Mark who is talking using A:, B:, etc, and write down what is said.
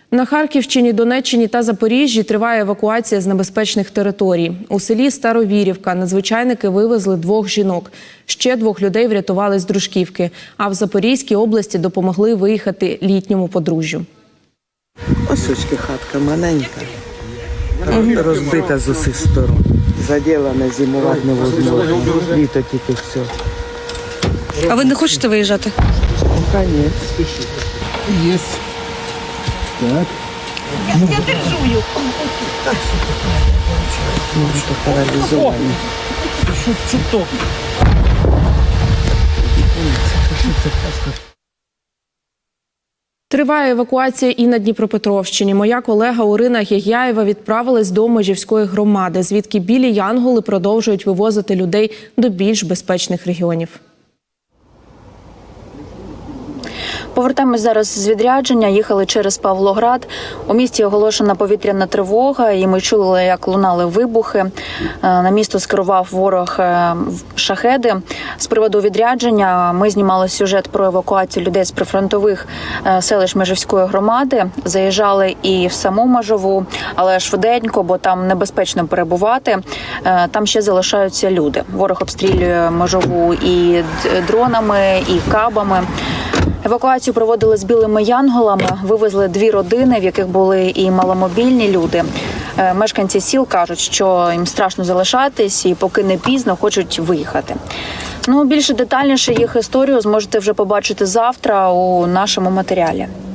A: На Харківщині, Донеччині та Запоріжжі триває евакуація з небезпечних територій. У селі Старовірівка надзвичайники вивезли 2 жінок. Ще 2 людей врятували з дружківки. А в Запорізькій області допомогли виїхати літньому подружжю.
B: Ось очки хатка маленька, розбита з усіх сторон. Заділена, зимувати невозможно. Літо тільки все.
C: А ви не хочете виїжджати?
B: Конечно.
D: Есть. Так.
C: Я держу їх.
B: Може, паралізовані.
D: Чуток.
A: Триває евакуація і на Дніпропетровщині. Моя колега Орина Гягяєва відправилась до Межівської громади, звідки білі янголи продовжують вивозити людей до більш безпечних регіонів.
E: Повертаємось зараз з відрядження, їхали через Павлоград. У місті оголошена повітряна тривога, і ми чули, як лунали вибухи. На місто скерував ворог шахеди. З приводу відрядження ми знімали сюжет про евакуацію людей з прифронтових селищ Межівської громади. Заїжджали і в саму Межову, але швиденько, бо там небезпечно перебувати. Там ще залишаються люди. Ворог обстрілює Межову і дронами, і кабами. Евакуацію проводили з білими янголами, вивезли 2 родини, в яких були і маломобільні люди. Мешканці сіл кажуть, що їм страшно залишатись і поки не пізно хочуть виїхати. Більше детальніше їх історію зможете вже побачити завтра у нашому матеріалі.